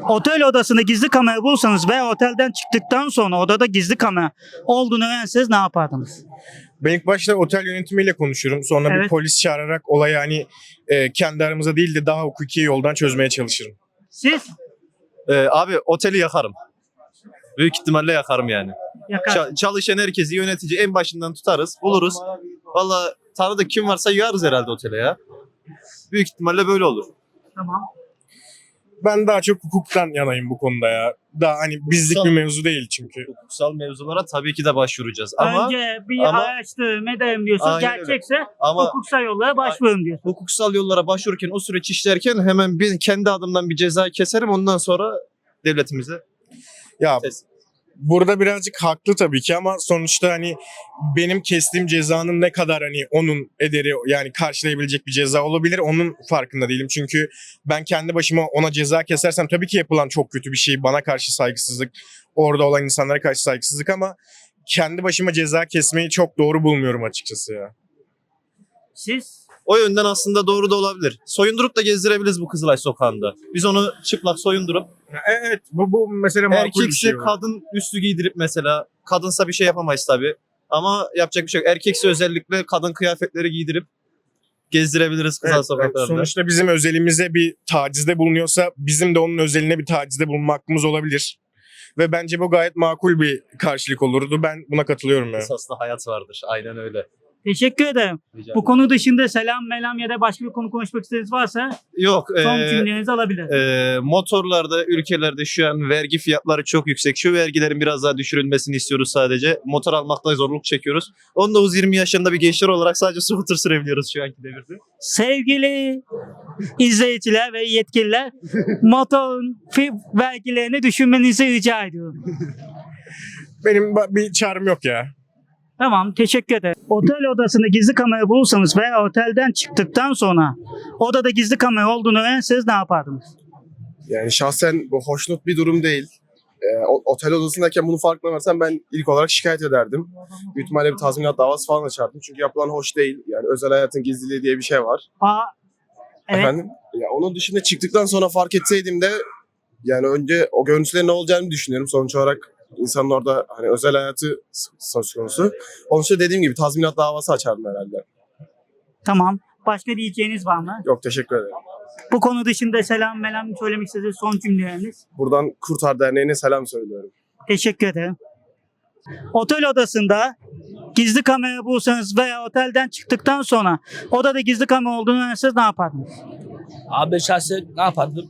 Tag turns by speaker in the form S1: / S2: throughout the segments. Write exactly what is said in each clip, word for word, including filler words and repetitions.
S1: Otel odasında gizli kamera bulsanız veya otelden çıktıktan sonra odada gizli kamera olduğunu öğrenseniz ne yapardınız?
S2: Ben ilk başta otel yönetimiyle konuşurum. Sonra
S1: Evet.
S2: bir polis çağırarak olayı hani e, kendi aramızda değil de daha hukuki yoldan çözmeye çalışırım.
S1: Siz
S3: Ee, abi oteli yakarım. Büyük ihtimalle yakarım yani.
S1: yakar.
S3: Ça- çalışan herkesi yönetici en başından tutarız, buluruz. Valla tanıdık kim varsa yığarız herhalde otele ya. Büyük ihtimalle böyle olur.
S1: Tamam.
S2: Ben daha çok hukuktan yanayım bu konuda ya. Daha hani bizlik
S3: Hukuksal-
S2: bir mevzu değil çünkü.
S3: Hukuksal mevzulara tabii ki de başvuracağız. Ama
S1: Önce bir
S3: ama-
S1: araştırma edelim diyorsunuz.
S3: Aynen öyle.
S1: Gerçekse
S3: Ama-
S1: hukuksal yollara başvurun diyor.
S3: hukuksal yollara başvururken o süreç işlerken hemen bir kendi adımdan bir ceza keserim. Ondan sonra devletimize
S2: Ya
S3: teslim.
S2: burada birazcık haklı tabii ki ama sonuçta hani benim kestiğim cezanın ne kadar hani onun ederi yani karşılayabilecek bir ceza olabilir onun farkında değilim. Çünkü ben kendi başıma ona ceza kesersem tabii ki yapılan çok kötü bir şey. Bana karşı saygısızlık, orada olan insanlara karşı saygısızlık ama kendi başıma ceza kesmeyi çok doğru bulmuyorum açıkçası ya.
S1: Siz
S3: O yönden aslında doğru da olabilir. Soyundurup da gezdirebiliriz bu Kızılay sokağında. Biz onu çıplak soyundurup
S2: Ya Evet bu, bu mesela makul bir
S3: erkekse
S2: şey. var.
S3: kadın üstü giydirip mesela kadınsa bir şey yapamayız tabii. Ama yapacak bir şey yok. Erkekse özellikle kadın kıyafetleri giydirip gezdirebiliriz Kızılay
S2: Evet, evet.
S3: sokaklarında.
S2: Sonuçta bizim özelimize bir tacizde bulunuyorsa bizim de onun özeline bir tacizde bulunma hakkımız olabilir. Ve bence bu gayet makul bir karşılık olurdu. Ben buna katılıyorum ya.
S3: Esaslı hayat vardır. Aynen öyle.
S1: teşekkür ederim.
S3: Rica
S1: Bu konu dışında selam melam ya da başka bir konu konuşmak istediğiniz varsa
S3: Yok.
S1: son
S3: eee,
S1: cümlelerinizi alabilirim.
S3: eee, motorlarda ülkelerde şu an vergi fiyatları çok yüksek. Şu vergilerin biraz daha düşürülmesini istiyoruz sadece. Motor almakta zorluk çekiyoruz. on dokuz yirmi yaşında bir gençler olarak sadece scooter sürebiliyoruz şu anki devirde.
S1: Sevgili izleyiciler ve yetkililer, motorun fi- vergilerini düşünmenizi rica ediyorum.
S2: Benim ba- bir çağrım yok ya.
S1: Tamam, teşekkür ederim. Otel odasında gizli kamera bulursanız veya otelden çıktıktan sonra odada gizli kamera olduğunu öğrenseniz ne yapardınız?
S4: Yani şahsen bu hoşnut bir durum değil. Ee, o- otel odasındayken bunu farkına varsam ben ilk olarak şikayet ederdim. Büyük ihtimalle bir tazminat davası falan açardım. Çünkü yapılan hoş değil. Yani özel hayatın gizliliği diye bir şey var.
S1: Aa, evet.
S4: Efendim? Ya onun dışında çıktıktan sonra fark etseydim de yani önce o görüntülerin ne olacağını düşünüyorum. Sonuç olarak insanın orada hani özel hayatı s- söz konusu. Onun için dediğim gibi tazminat davası açardım herhalde.
S1: Tamam. Başka diyeceğiniz var mı?
S4: Yok, teşekkür ederim.
S1: Bu konu dışında selam melam söylemek istediğiniz son cümleleriniz.
S4: Buradan Kurtar Derneği'ne selam söylüyorum.
S1: Teşekkür ederim. Otel odasında gizli kamera bulsanız veya otelden çıktıktan sonra odada gizli kamera olduğunu öğrenseniz ne yapardınız?
S5: Abi ben şahsen ne yapardım?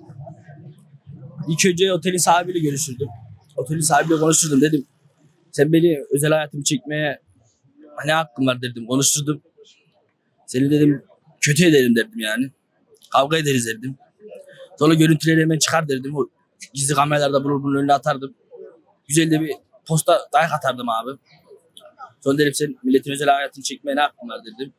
S5: İlk önce otelin sahibiyle görüşürdüm. Otelin sahibiyle konuşurdum, dedim. Sen beni özel hayatımı çekmeye ne hakkın var dedim. Konuşturdum. Seni dedim kötü ederim derdim yani. Kavga ederiz derdim. Sonra görüntüleri hemen çıkar derdim. O gizli kameralarda bunu bunun önüne atardım. Güzel de bir posta dayak atardım abi. Sonra dedim sen milletin özel hayatını çekmeye ne hakkın var dedim.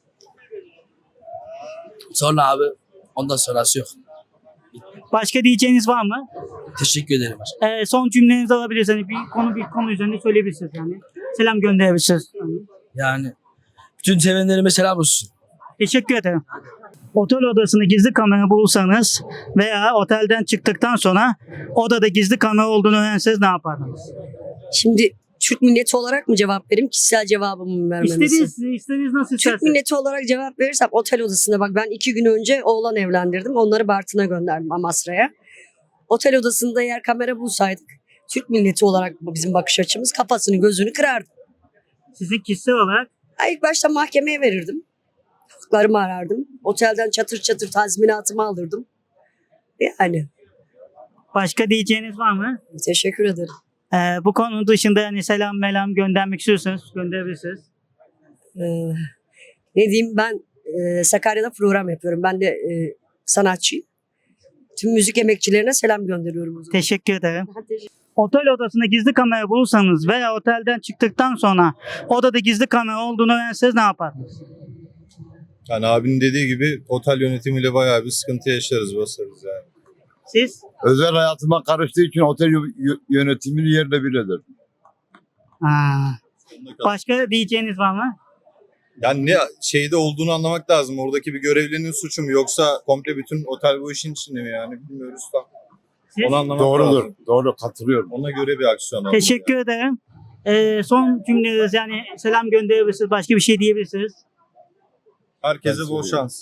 S5: Sonra abi ondan sonrası yok.
S1: Başka diyeceğiniz var mı?
S5: Teşekkür ederim.
S1: Ee, son cümlenizi alabilirsiniz. Bir konu bir konu üzerinde söyleyebilirsiniz yani. Selam gönderebilirsiniz.
S5: Yani bütün sevenlerime selam olsun.
S1: Teşekkür ederim. Otel odasında gizli kamera bulursanız veya otelden çıktıktan sonra odada gizli kamera olduğunu öğrenseniz ne yapardınız?
S6: Şimdi Türk milleti olarak mı cevap vereyim, kişisel cevabımı mı vermemizi?
S1: İstediğiniz, istediğiniz nasıl
S6: Türk
S1: isterseniz.
S6: milleti olarak cevap verirsem otel odasında bak ben iki gün önce oğlan evlendirdim. Onları Bartın'a gönderdim, Amasra'ya. Otel odasında eğer kamera bulsaydık Türk milleti olarak bu bizim bakış açımız kafasını gözünü kırardı.
S1: Sizin kişisel olarak
S6: Ha, İlk başta mahkemeye verirdim. Haklarımı arardım. Otelden çatır çatır tazminatımı alırdım. Yani
S1: başka diyeceğiniz var mı?
S6: teşekkür ederim.
S1: Ee, bu konu dışında yani selam melam göndermek istiyorsanız gönderebilirsiniz.
S6: Ee, ne diyeyim ben e, Sakarya'da program yapıyorum. Ben de e, sanatçıyım. Tüm müzik emekçilerine selam gönderiyorum o zaman.
S1: Teşekkür ederim. Otel odasında gizli kamera bulursanız veya otelden çıktıktan sonra odada gizli kamera olduğunu öğrenseniz ne yapardınız?
S7: Yani abinin dediği gibi otel yönetimiyle bayağı bir sıkıntı yaşarız, basarız yani.
S1: Siz?
S8: Özel hayatıma karıştığı için otel yö- yönetimini yerle bir eder.
S1: Ha. Başka diyeceğiniz var mı?
S7: Yani ne şeyde olduğunu anlamak lazım. Oradaki bir görevlinin suçu mu yoksa komple bütün otel bu işin içinde mi yani bilmiyoruz da.
S1: Siz?
S7: Onu anlamak
S8: Doğrudur.
S7: lazım.
S8: Doğru. Katılıyorum.
S7: Ona göre bir aksiyon alın.
S1: Teşekkür ederim. Ee, son cümleniz yani selam gönderebilirsiniz. Başka bir şey diyebilirsiniz.
S7: Herkese bol şans.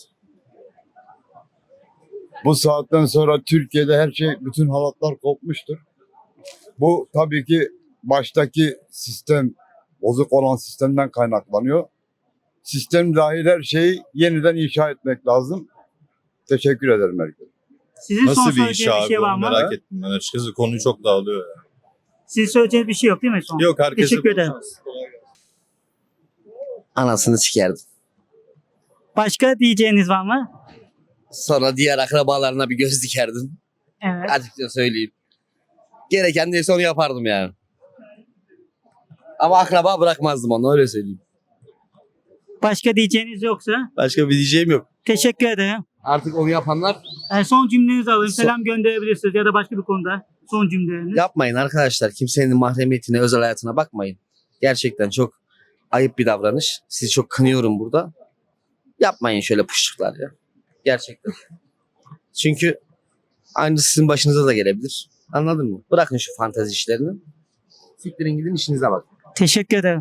S8: Bu saatten sonra Türkiye'de her şey, bütün halatlar kopmuştur. Bu tabii ki baştaki sistem, bozuk olan sistemden kaynaklanıyor. Sistem dahil her şeyi yeniden inşa etmek lazım. Teşekkür ederim herkese.
S1: Sizin son
S7: Nasıl bir iş
S1: söyleyeceğiniz bir
S7: abi
S1: şey var
S7: onu
S1: mı?
S7: merak ettim. Ben açıkçası konuyu çok dağılıyor ya.
S1: Sizin söyleyeceğiniz bir şey yok değil mi son?
S7: Yok herkese
S1: Teşekkür
S7: bol
S1: ederim.
S7: şans. Kolay gelsin.
S9: Anasını sikerdim.
S1: Başka diyeceğiniz var mı?
S9: Sonra diğer akrabalarına bir göz dikerdim.
S1: Evet.
S9: Açıkça söyleyeyim. Gereken neyse onu yapardım yani. Ama akraba bırakmazdım onu, öyle söyleyeyim.
S1: Başka diyeceğiniz yoksa
S3: Başka bir diyeceğim yok.
S1: teşekkür ederim.
S9: Artık onu yapanlar
S1: Ee, son cümlenizi alayım.
S9: Son-
S1: Selam gönderebilirsiniz ya da başka bir konuda son cümleleriniz.
S9: yapmayın arkadaşlar. Kimsenin mahremiyetine, özel hayatına bakmayın. Gerçekten çok ayıp bir davranış. Sizi çok kınıyorum burada. Yapmayın şöyle puşluklar ya. Gerçekten. Çünkü aynısı sizin başınıza da gelebilir. Anladın mı? Bırakın şu fantezi işlerini. Siktirin gidin, işinize bakın.
S1: Teşekkür ederim.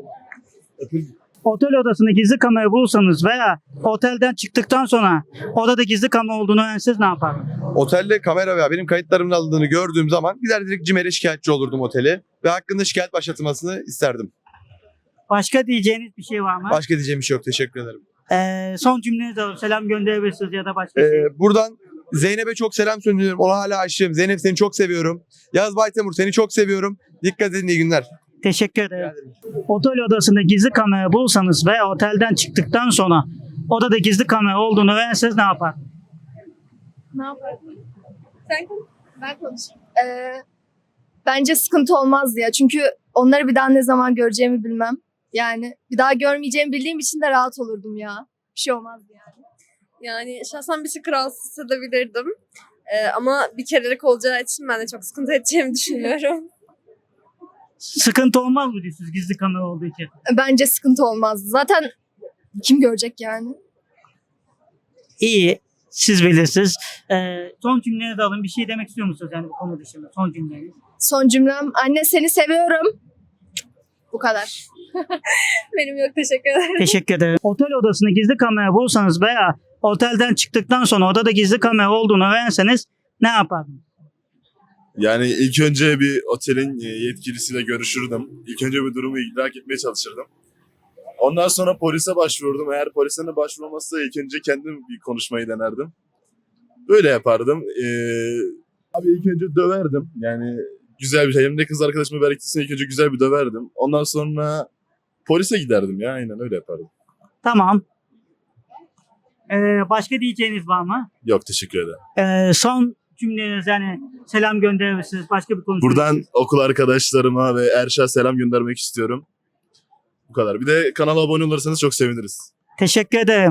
S1: Otel odasında gizli kamera bulsanız veya otelden çıktıktan sonra odada gizli kamera olduğunu öğrenseniz ne yapardınız?
S10: Otelde kamera veya benim kayıtlarımın alındığını gördüğüm zaman gider direkt CİMER'e şikayetçi olurdum oteli ve hakkında şikayet başlatılmasını isterdim.
S1: Başka diyeceğiniz bir şey var mı?
S10: Başka diyeceğim bir şey yok. Teşekkür ederim.
S1: Ee, son cümlenizi alayım. Selam gönderebilirsiniz ya da başka bir şey.
S10: Ee, buradan Zeynep'e çok selam söylüyorum. Ona hala aşığım. Zeynep seni çok seviyorum. Yaz Baytemur seni çok seviyorum. Dikkat edin, iyi günler.
S1: Teşekkür ederim. Otel odasında gizli kamera bulsanız veya otelden çıktıktan sonra odada gizli kamera olduğunu öğrenseniz ne yapardınız?
S11: Ne yapardım? Sen konuş. Ben konuşayım. Ee, bence sıkıntı olmaz ya. Çünkü onları bir daha ne zaman göreceğimi bilmem. Yani bir daha görmeyeceğimi bildiğim için de rahat olurdum ya. Bir şey olmaz yani.
S12: Yani şahsen bir tık rahatsız hissedebilirdim. Ee, ama bir kerelik olacağı için ben de çok sıkıntı edeceğimi düşünüyorum.
S1: Sıkıntı olmaz mı diyorsunuz gizli kamera olduğu için?
S11: Bence sıkıntı olmaz. Zaten kim görecek yani?
S1: İyi. Siz bilirsiniz. Ee, son cümlenizi alın. Bir şey demek istiyor musunuz yani bu konu dışında? Son cümleniz.
S11: Son cümlem, anne seni seviyorum. Bu kadar.
S12: Benim yok, teşekkür ederim.
S1: Teşekkür ederim. Otel odasında gizli kamera bulsanız veya otelden çıktıktan sonra odada gizli kamera olduğunu öğrenseniz ne yapardınız?
S13: Yani ilk önce bir otelin yetkilisiyle görüşürdüm. İlk önce bir durumu idrak etmeye çalışırdım. Ondan sonra polise başvururdum. Eğer polise de başvurulmazsa ilk önce kendim bir konuşmayı denerdim. Böyle yapardım. Ee, abi ilk önce döverdim. Yani güzel bir şey. Hem de kız arkadaşımı belirttisine ilk önce güzel bir döverdim. Ondan sonra polise giderdim ya. Aynen öyle yapardım.
S1: Tamam. Ee, başka diyeceğiniz var mı?
S13: Yok, teşekkür ederim.
S1: Ee, son cümleniz yani selam gönderebilirsiniz. Başka bir konu.
S13: Buradan okul arkadaşlarıma ve Erşa selam göndermek istiyorum. Bu kadar. Bir de kanala abone olursanız çok seviniriz.
S1: Teşekkür ederim.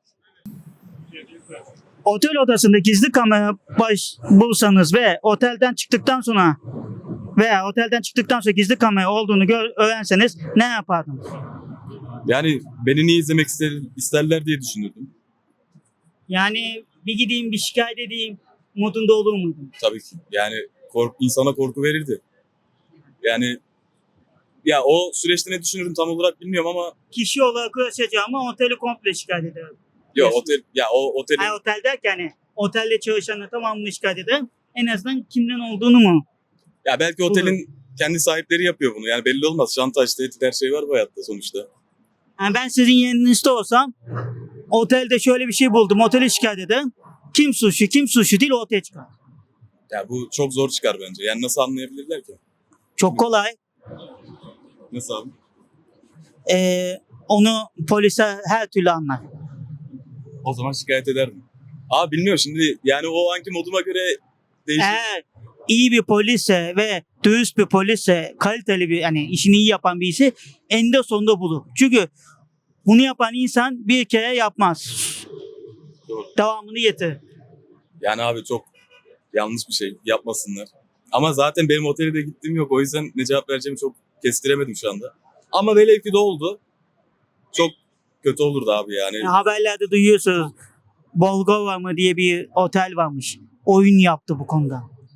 S1: Otel odasında gizli kamera baş bulsanız ve otelden çıktıktan sonra veya otelden çıktıktan sonra gizli kamera olduğunu gör, öğrenseniz ne yapardınız?
S14: Yani beni niye izlemek ister, isterler diye düşünürdüm.
S1: Yani bir gideyim bir şikayet edeyim modunda olur muydun?
S14: Tabii ki. Yani kork, insana korku verirdi. Yani ya o süreçte ne düşünürüm tam olarak bilmiyorum ama
S1: Kişi olarak uğraşacağım ama oteli komple şikayet ederim.
S14: ya otel ya o otelin
S1: Yani otel derken hani otelde çalışanları tamamını şikayet ederim. En azından kimden olduğunu mu?
S14: ya belki otelin kendi sahipleri yapıyor bunu. Yani belli olmaz. Şantaj, tehdit her şey var bu hayatta sonuçta.
S1: Yani ben sizin yerinizde olsam otelde şöyle bir şey buldum. Otele şikayet ederim. Kim suçlu kim suçlu değil ortaya çıkar.
S14: Ya bu çok zor çıkar bence. Yani nasıl anlayabilirler ki?
S1: Çok kolay.
S14: Nasıl abi?
S1: Ee, onu polise her türlü anlar.
S14: O zaman şikayet ederdim. Abi bilmiyorum şimdi yani o anki moduma göre değişir.
S1: Eğer iyi bir polisse ve dürüst bir polisse, kaliteli bir yani işini iyi yapan birisi eninde sonunda bulur. Çünkü bunu yapan insan bir kere yapmaz.
S14: Doğru.
S1: Devamını getirir.
S14: Yani abi çok yanlış bir şey. Yapmasınlar. Ama zaten benim otele de gittiğim yok. O yüzden ne cevap vereceğimi çok kestiremedim şu anda. Ama velev ki de oldu. Çok kötü olurdu abi yani.
S1: Yani haberlerde duyuyorsunuz. Bolgova mı diye bir otel varmış. Oyun yaptı bu konuda.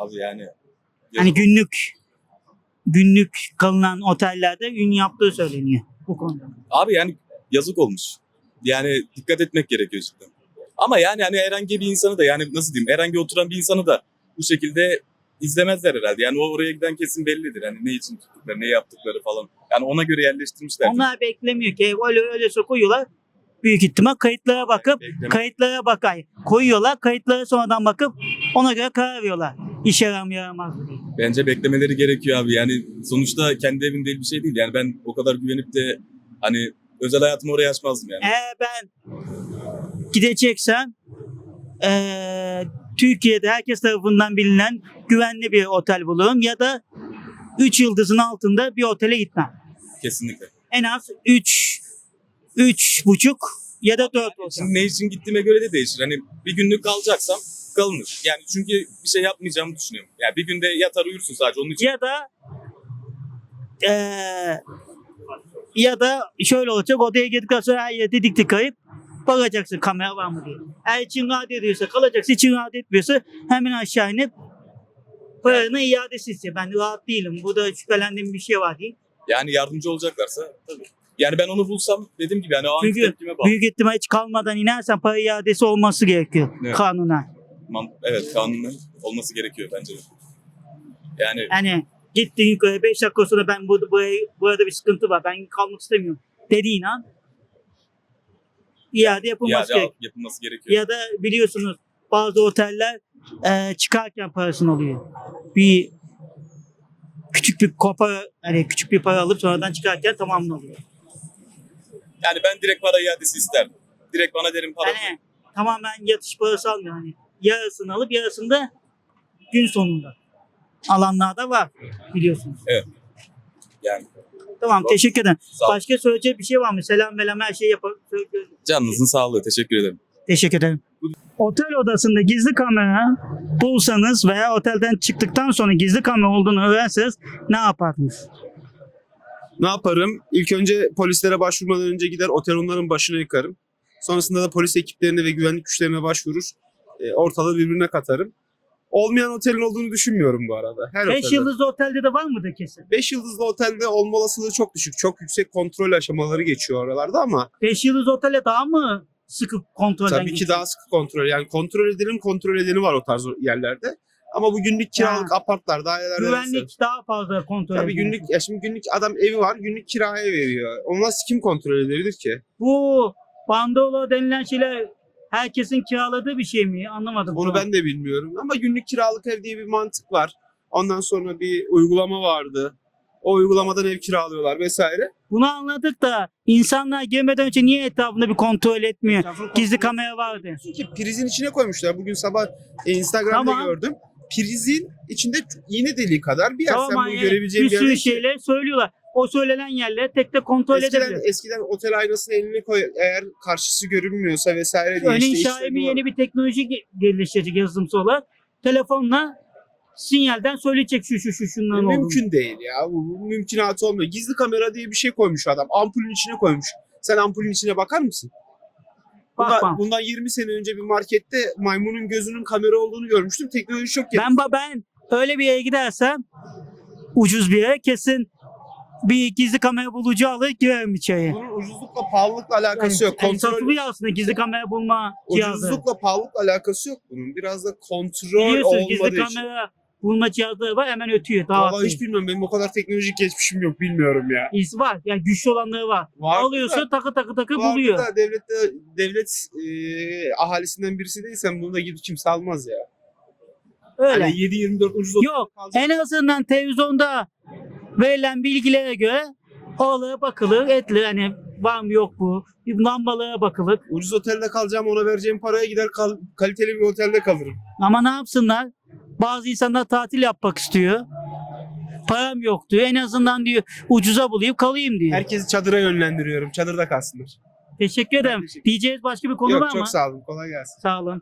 S14: Abi yani
S1: Hani günlük günlük kalınan otellerde ün yaptığı söyleniyor bu konuda.
S14: abi yani yazık olmuş. Yani dikkat etmek gerekiyor cidden. Ama yani hani herhangi bir insanı da yani nasıl diyeyim herhangi oturan bir insanı da bu şekilde izlemezler herhalde. Yani o oraya giden kesin bellidir. Hani ne için tuttukları, ne yaptıkları falan. Yani ona göre yerleştirmişler.
S1: Onlar beklemiyor ki öyle öyle koyuyorlar. Büyük ihtimal kayıtlara bakıp
S14: Bekleme.
S1: kayıtlara bakay koyuyorlar. Kayıtlara sonradan bakıp ona göre karar veriyorlar. İşe yarar mı yaramaz mı diye.
S14: Bence beklemeleri gerekiyor abi. Yani sonuçta kendi evin değil bir şey değil. Yani ben o kadar güvenip de hani özel hayatımı oraya açmazdım yani.
S1: Eğer ben gideceksem eee, Türkiye'de herkes tarafından bilinen güvenli bir otel bulurum ya da üç yıldızın altında bir otele gitmem.
S14: Kesinlikle.
S1: En az üç üç buçuk ya da dört otel.
S14: Şimdi ne için gittiğime göre de değişir. Hani bir günlük kalacaksam kalınır. Yani çünkü bir şey yapmayacağımı düşünüyorum. Yani bir günde yatar uyursun sadece onun için.
S1: Ya da eee, ya da şöyle olacak, odaya girdikten sonra her yerde dik dik kayıp bakacaksın kamera var mı diye. Eğer için rahat ediyorsa kalacaksın, için rahat etmiyorsa hemen aşağı inip paranı iadesi istiyor. Ben rahat değilim, burada şüphelendiğim bir şey var diye.
S14: Yani yardımcı olacaklarsa tabii. Yani ben onu bulsam dediğim gibi yani o anki
S1: Çünkü
S14: tepkime bağlı.
S1: büyük ihtimal hiç kalmadan inersen para iadesi olması gerekiyor
S14: Evet.
S1: kanuna.
S14: Man- Evet kanunun olması gerekiyor bence de. Yani
S1: Yani gittin yukarı beş dakika sonra ben burada, buraya, burada bir sıkıntı var, ben kalmak istemiyorum dediğin an iade yapılması
S14: iade
S1: gerekiyor.
S14: yapılması gerekiyor.
S1: Ya da biliyorsunuz bazı oteller e, çıkarken parasını alıyor. Bir küçük bir kopa, hani küçük bir para alıp sonradan çıkarken tamamını alıyor.
S14: Yani ben direkt para iadesi isterdim. Direkt bana derim para.
S1: Yani tamamen yatış parası almıyor. Hani yarısını alıp yarısını da gün sonunda alanlar da var biliyorsunuz.
S14: Evet. Yani
S1: Tamam, teşekkür ederim.
S14: Sağ ol.
S1: Başka söyleyecek bir şey var mı? Selam melam her şeyi yapar. söylüyorum.
S14: canınızın sağlığı. Teşekkür ederim.
S1: Teşekkür ederim. Otel odasında gizli kamera bulsanız veya otelden çıktıktan sonra gizli kamera olduğunu öğrenseniz ne yapardınız?
S15: Ne yaparım? İlk önce polislere başvurmadan önce gider otel onların başına yıkarım. Sonrasında da polis ekiplerine ve güvenlik güçlerine başvurur. E, ortalığı birbirine katarım. Olmayan otelin olduğunu düşünmüyorum bu arada. Her
S1: Beş
S15: otelde.
S1: yıldızlı otelde de var mıdır kesin?
S15: beş yıldızlı otelde olma olasılığı çok düşük. Çok yüksek kontrol aşamaları geçiyor oralarda ama
S1: Beş yıldızlı otele daha mı sıkı kontrolden
S15: tabii ki
S1: geçiyor?
S15: daha sıkı kontrol. Yani kontrol edenin kontrol edeni var o tarz yerlerde. Ama bu günlük kiralık apartlar, daireler
S1: Güvenlik daha fazla kontrol
S15: Tabii
S1: ediyor.
S15: günlük, ya şimdi günlük adam evi var, günlük kiraya veriyor. Onu nasıl kim kontrol edebilir ki?
S1: Bu bandolo denilen şeyler herkesin kiraladığı bir şey mi? Anlamadım.
S15: Onu ben de bilmiyorum. Ama günlük kiralık ev diye bir mantık var. Ondan sonra bir uygulama vardı. O uygulamadan ev kiralıyorlar vesaire.
S1: Bunu anladık da insanlar girmeden önce niye etrafında bir kontrol etmiyor? Gizli kamera vardı.
S15: Çünkü prizin içine koymuşlar. Bugün sabah e, Instagram'da
S1: Tamam.
S15: gördüm. Prizin içinde iğne deliği kadar bir yer.
S1: Tamam,
S15: Sen bunu
S1: yani
S15: görebileceğin
S1: bir
S15: bir yer
S1: sürü
S15: değil ki.
S1: şeyler söylüyorlar. O söylenen yerleri tek tek kontrol
S15: Eskiden,
S1: edebilir.
S15: eskiden otel aynasına elini koy, eğer karşısı görünmüyorsa vesaire diye
S1: Örneğin
S15: işte
S1: Xiaomi
S15: işlemi var.
S1: yeni bir teknoloji ge- geliştirecek yazılımsal olarak. Telefonla sinyalden söyleyecek şu şu şu şunların olduğunu.
S15: Mümkün değil ya. Bu, bu mümkünatı olmuyor. Gizli kamera diye bir şey koymuş adam. Ampulün içine koymuş. Sen ampulün içine bakar mısın? Bundan,
S1: Bakmam.
S15: bundan yirmi sene önce bir markette maymunun gözünün kamera olduğunu görmüştüm. Teknoloji çok gelişti.
S1: Ben ba- ben öyle bir yere gidersem ucuz bir yere kesin bir gizli kamera bulucu alır girerim içeriye.
S15: Bunun ucuzlukla pahalılıkla alakası yok.
S1: Yani
S15: Kontrol,
S1: satılıyor aslında gizli kamera bulma cihazı.
S15: ucuzlukla pahalılıkla alakası yok bunun. Biraz da kontrol
S1: Biliyorsunuz gizli
S15: olmadığı için.
S1: kamera bulma cihazları var, hemen ötüyor. Daha
S15: Vallahi hiç bilmiyorum. Benim o kadar teknolojik geçmişim yok. Bilmiyorum ya.
S1: İyisi var. Yani güçlü olanları var.
S15: Vardı
S1: Alıyorsa
S15: da-
S1: takı takı takı
S15: Vardı
S1: buluyor.
S15: da devlette, devlet e, ahalisinden birisi değilsen bunu da gidip kimse almaz ya.
S1: Öyle.
S15: Hani yedi yirmi dört ucuz
S1: Yok. En azından televizyonda verilen bilgilere göre oralara bakılır, edilir. Hani var mı yok mu? Bir lambalara bakılır.
S15: Ucuz otelde kalacağım, ona vereceğim paraya gider kal- kaliteli bir otelde kalırım.
S1: Ama ne yapsınlar? Bazı insanlar tatil yapmak istiyor. Param yok diyor. En azından diyor ucuza bulayım kalayım diyor.
S15: Herkesi çadıra yönlendiriyorum. Çadırda kalsınlar.
S1: Teşekkür ederim. Diyeceğiz başka bir konu
S15: Yok
S1: var mı?
S15: çok sağ olun. Kolay gelsin.
S1: Sağ olun.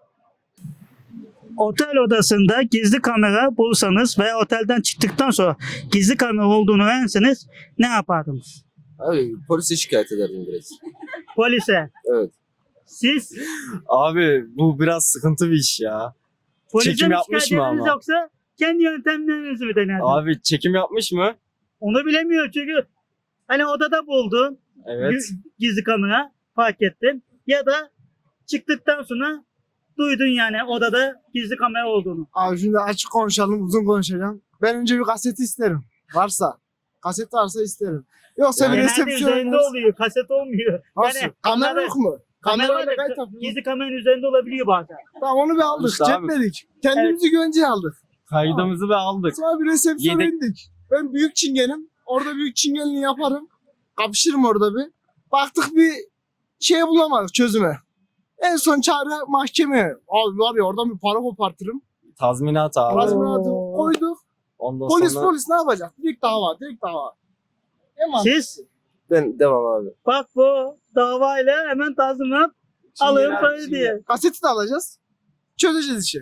S1: Otel odasında gizli kamera bulsanız veya otelden çıktıktan sonra gizli kamera olduğunu öğrenseniz ne yapardınız?
S9: Abi polise şikayet ederdim direkt.
S1: Polise.
S9: Evet.
S1: Siz
S3: Abi bu biraz sıkıntı bir iş ya.
S1: Polise
S16: çekim
S1: mi
S16: yapmış
S1: şikayet
S16: mı
S1: ederiz
S16: ama?
S1: yoksa kendi yöntemlerinizi mi denerdiniz?
S16: Abi çekim yapmış mı?
S1: Onu bilemiyor çünkü hani odada buldun.
S16: Evet.
S1: gü- Gizli kamera fark ettin. Ya da çıktıktan sonra duydun yani odada gizli kamera olduğunu.
S17: Abi şimdi açık konuşalım, uzun konuşacağım. Ben önce bir kaseti isterim. Varsa. Kaset varsa isterim. Yoksa bir
S1: Genelde
S17: resepsiyon
S1: üzerinde
S17: oynarız.
S1: oluyor, kaset olmuyor.
S17: Nasıl?
S1: Yani
S17: kamera
S1: kamera-
S17: yok mu?
S1: Kamera
S17: Kamerayla
S1: da
S17: kayıt yapıyoruz.
S1: gizli kameranın üzerinde olabiliyor bazen.
S17: Tamam onu bir aldık,
S16: İşte abi.
S17: cepledik. Kendimizi güvenceye aldık.
S16: Kaydımızı ve aldık.
S17: Sonra bir resepsiyona
S16: Yedek-
S17: indik. Ben büyük çingenim. Orada büyük çingenliği yaparım. Kapışırım orada bir. Baktık bir şey bulamadık çözüme. En son çare mahkeme. Abi var ya oradan bir para kopartırım.
S16: Tazminat abi.
S17: Tazminatı koyduk.
S16: Ondan
S17: Polis
S16: sonra
S17: polis ne yapacak? Direkt dava, direkt dava. Hemen.
S1: Siz
S9: Ben devam abi.
S1: bak bu davayla hemen tazminat alın parayı diye.
S17: Kaseti de alacağız. Çözeceğiz işi.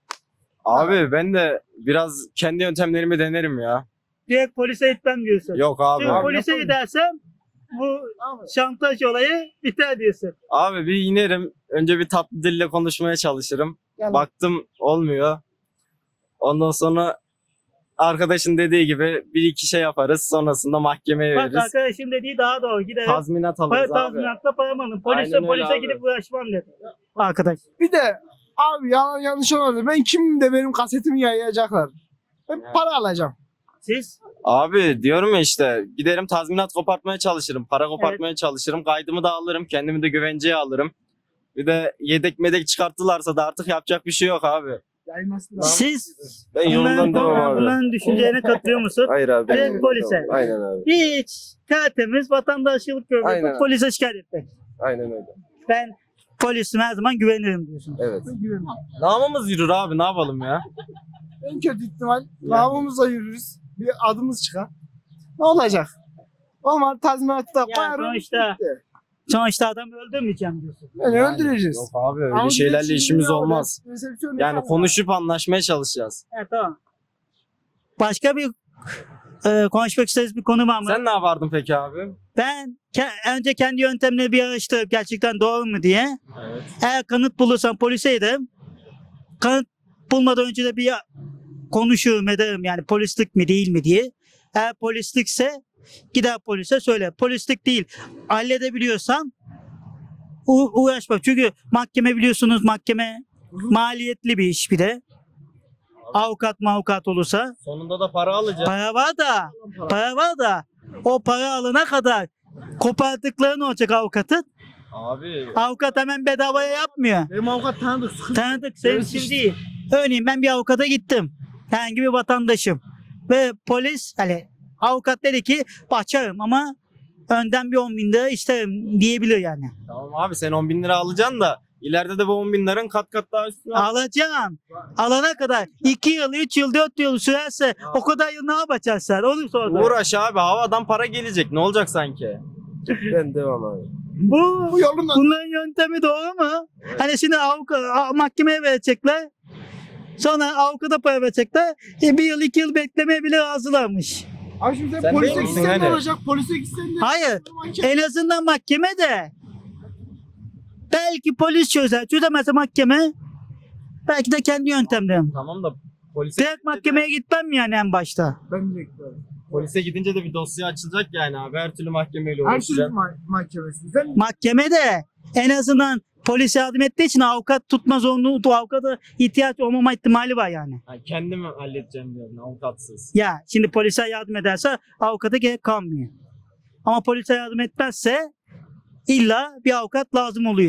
S16: abi ben de biraz kendi yöntemlerimi denerim ya.
S1: Direkt polise gitmem diyorsun.
S16: Yok abi.
S1: Çünkü
S16: Abi,
S1: polise gidersem bu şantaj olayı biter diyorsun.
S16: Abi bir inerim. Önce bir tatlı dille konuşmaya çalışırım.
S17: Yani.
S16: Baktım olmuyor. Ondan sonra arkadaşın dediği gibi bir iki şey yaparız. Sonrasında mahkemeye
S1: Bak
S16: veririz.
S1: arkadaşım dediği daha doğru. Giderim.
S16: Tazminat
S1: Para,
S16: alırız abi.
S1: tazminatla paramı alın. Polise,
S16: Aynen öyle
S1: polise
S16: abi.
S1: gidip uğraşmam dedi. Arkadaş.
S17: Bir de abi yalan yanlış olmadı. Ben kimim de benim kasetimi yayacaklar. Ben para alacağım.
S1: Siz?
S16: Abi diyorum ya işte giderim tazminat kopartmaya çalışırım. Para kopartmaya çalışırım. Kaydımı da alırım. Kendimi de güvenceye alırım. Bir de yedek medek çıkarttılarsa da artık yapacak bir şey yok abi.
S17: Yaymasın.
S1: Siz
S16: Ben yolumdan
S1: bunların,
S16: devam abi.
S1: bunların düşüncelerine katılıyor musun?
S9: Hayır abi. ben-
S1: Direkt polise.
S9: Aynen abi.
S1: Hiç tertemiz vatandaşlık görmek.
S9: Aynen.
S1: Polise şikayet etmek.
S9: Aynen öyle.
S1: Ben polisime her zaman güvenirim diyorsun.
S9: Evet.
S16: Namımız yürür abi ne yapalım ya.
S17: En kötü ihtimal namımızla yürürüz. Bir adımız çıkar. Ne olacak? Ama tazminatı da
S1: Ya
S17: koyarım.
S1: sonuçta,
S17: bitti.
S1: sonuçta adamı öldürmeyeceğim diyorsun.
S17: Yani öldüreceğiz.
S16: Yok abi öyle
S17: Ama
S16: şeylerle
S17: direkt
S16: işimiz
S17: şimdi
S16: olmaz.
S17: resepsiyon
S16: Yani
S17: yapalım.
S16: konuşup anlaşmaya çalışacağız.
S1: Evet tamam. Başka bir e, konuşmak istediğiniz bir konu var mı?
S16: Sen ne yapardın peki abi?
S1: Ben ke- önce kendi yöntemleri bir araştırıp gerçekten doğru mu diye.
S16: Evet.
S1: Eğer kanıt bulursam polise giderim. Kanıt bulmadan önce de bir konuşurum ederim yani polislik mi değil mi diye. Eğer polislikse gider polise söyle. Polislik değil. Halledebiliyorsan u- uğraşma. Çünkü mahkeme biliyorsunuz mahkeme maliyetli bir iş bir de. Avukat mavukat olursa.
S16: Sonunda da para alacağız.
S1: Para var da, para var da o para alana kadar kopardıkları ne olacak avukatın?
S16: Abi
S1: Avukat hemen bedavaya yapmıyor.
S17: Benim avukat tanıdık. sıkıntı.
S1: Tanıdık senin
S17: Evet,
S1: için
S17: işte.
S1: değil. Örneğin ben bir avukata gittim. Herhangi bir vatandaşım. Ve polis hani avukat dedi ki açarım ama önden bir on bin lira isterim diyebilir yani.
S16: tamam abi sen on bin lira alacaksın da ileride de bu on bin liranın kat kat daha üstüne al.
S1: Alacağım. Alana kadar iki yıl, üç yıl, dört yıl sürerse o kadar yıl ne yapacaksın sen? Onu sordum.
S16: Uğraş abi havadan para gelecek ne olacak sanki?
S9: Ben devam abi.
S1: Bu,
S17: Bu yolundan.
S1: bunların yöntemi doğru mu? Hani şimdi avukat, a- mahkemeye verecekler. Sonra avukata para verecekler. E, bir yıl, iki yıl beklemeye bile razılarmış.
S17: Abi şimdi sen
S16: Sen
S17: polise
S16: değil misin
S17: gitsen ne
S16: hani?
S17: olacak? Polise gitsen de.
S1: Hayır. En azından mahkeme de belki polis çözer. Çözemezse mahkeme belki de kendi yöntemlerim.
S16: Tamam da polise,
S1: Direkt mahkemeye gitmem yani en başta.
S17: Ben de bekliyorum.
S16: polise gidince de bir dosya açılacak yani abi her türlü mahkemeyle
S17: Her türlü
S16: uğraşacaksın.
S17: ma- mahkemesi. Sen
S1: Mahkeme de en azından polis yardım ettiği için avukat tutma zorunluluğu, avukata ihtiyaç olmama ihtimali var yani.
S16: Ha, kendim halledeceğim diyorum avukatsız.
S1: Ya şimdi polise yardım ederse avukata gerek kalmıyor. Ama polise yardım etmezse illa bir avukat lazım oluyor.